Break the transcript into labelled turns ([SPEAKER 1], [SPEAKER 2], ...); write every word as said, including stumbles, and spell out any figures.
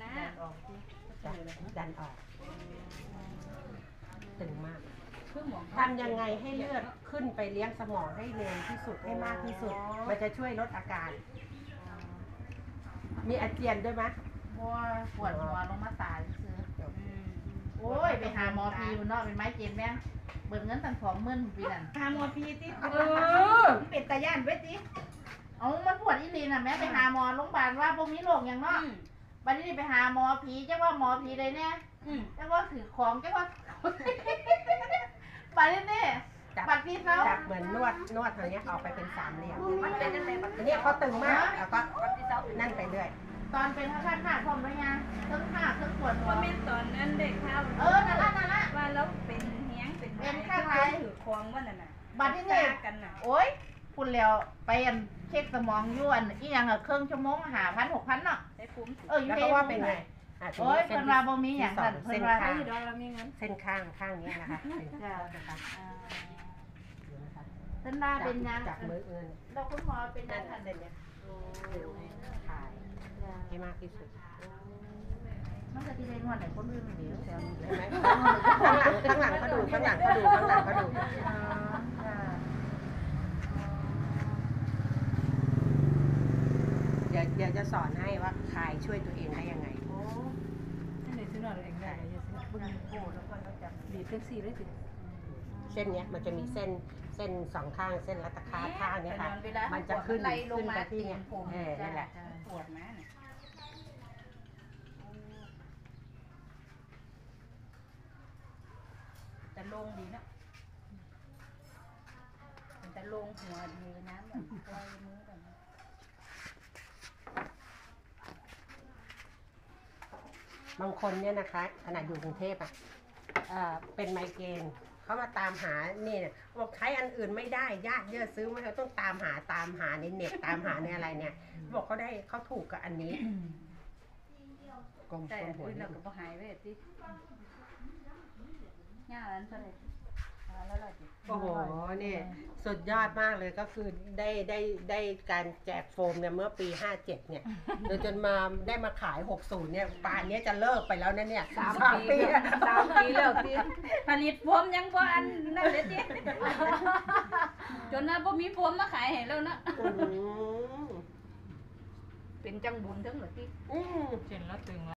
[SPEAKER 1] ดันออกดันออกตึงมากทำยังไงให้เลือดขึ้นไปเลี้ยงสมองให้เร็วที่สุดให้มากที่สุดมันจะช่วยลดอาการมีอาเจียนด้วยไหม
[SPEAKER 2] บัวปวดหัวลงมาตายซื้อโอ้ยไปหาหมอพีเนาะเป็นไม้เจ็บแม่เบิกเงินตั้งสองหมื่นปีนั่นหาหมอพีติเออเป็นตาย่านไว้ติเอามันปวดอีลีน่ะแม่ไปหาหมอโรงพยาบาลว่าพวกนี้โรคอย่างเนาะบัดนี้ไปหาหมอผีจะว่าหมอผีเลยเนี่ยจะว่าถือของจะว่าบัดนี้เนี่ยบัดพี่เขา
[SPEAKER 1] จับเหมือนนวดนวดอย่างเงี้ยออกไปเป็นสามเหลี่ยมมันเป็นยังไงอันนี้เขาตึงมากแล้วก็นั่นไปเรื่อย
[SPEAKER 2] ตอนเป็นข้าข้าพร้อมด้วยไงเครื่องข้าเครื่องปวดหัว
[SPEAKER 3] เป็นตอนนั้นเด็กข้าว
[SPEAKER 2] เออนั่นละนั่นละ
[SPEAKER 3] ว่าแล้วเป็นเฮี้ยงเป็น
[SPEAKER 2] เป็นข้างไร
[SPEAKER 3] ถือควงว่านั่นน่ะ
[SPEAKER 2] บัดนี้เนี่ยโอ้ยคุณแล้วไปอันเช็คสมองยวนอีหยังอะเครื่องชั่วโมงหาพันหกพันเนาะ
[SPEAKER 1] เออแล้วก็ว่าเป็นไง
[SPEAKER 2] โอ้ยเพิ่นว่าบ่มีหยังนั่นเพิ่นว่าให้
[SPEAKER 1] ดอกละมีเงินเส้นข้างข้างนี้นะคะ
[SPEAKER 2] จ้าเส้นหน้าเป็นยัง
[SPEAKER 1] จับมือเอื้อน
[SPEAKER 2] เราคุณหมอเป็นยัง
[SPEAKER 1] เส้นเนี่ยถ่ายให้มากที่สุด
[SPEAKER 2] มันจะที่ได้นวดไหนคนอื่นเดี๋ยวแถวนี้เลยไหม
[SPEAKER 1] ข้างหลังข้างหลังเขาดูข้างหลังเขาดูข้างหลังเขาดูเดี๋ยวเดี๋ยวจะสอนให้ว่าคลายช่วยตัวเองได้ยังไง
[SPEAKER 3] โอ้ในซื้อนอนเองได้ยังซื้อบึ้งโอ้แล้วก็เราจับบีบเส้นสี่เลยสิ
[SPEAKER 1] เส้นเนี้ยมันจะมีเส้นเส้นสองข้างเส้นรัตคาข้างเนี้ยค่ะมันจะขึ้นขึ้นไปที่เนี้ยเออนั่นแหละ
[SPEAKER 3] ปวดนะจะลงดีนะมันจะลงหัวดีน้ำแบบปล่อยมือแบบ
[SPEAKER 1] บางคนเนี่ยนะคะขนาดอยู่กรุงเทพอ่ะเป็นไมเกรนเขามาตามหานี่เนี่ยบอกใช้อันอื่นไม่ได้ญาติเยอะซื้อไม่เขาต้องตามหาตามหาในเน็ตตามหาในอะไรเนี่ยบอกเขาได้เขาถูกกับอันนี้
[SPEAKER 3] กลมแต่อื่นเราก็หายไปที่ง่ายนั้นเท่าไหร่
[SPEAKER 1] โอ้โหนี่สุดยอดมากเลยก็คือได้ได้ได้การแจกโฟมเนี่ยเมื่อปีห้าเจ็ดเนี่ยโดยจนมาได้มาขายหกสิบเนี่ยป่านนี้จะเลิกไปแล้วนะเนี่ย
[SPEAKER 3] สามปีสามปีแล้วที่ผลิตโฟมยังบ่อันนั่นเลยจีจนน่ะบ่มีโฟมมาขายให้แล้วนะเป็นจังบุญทั้งหมดที่
[SPEAKER 1] เช่นละตึง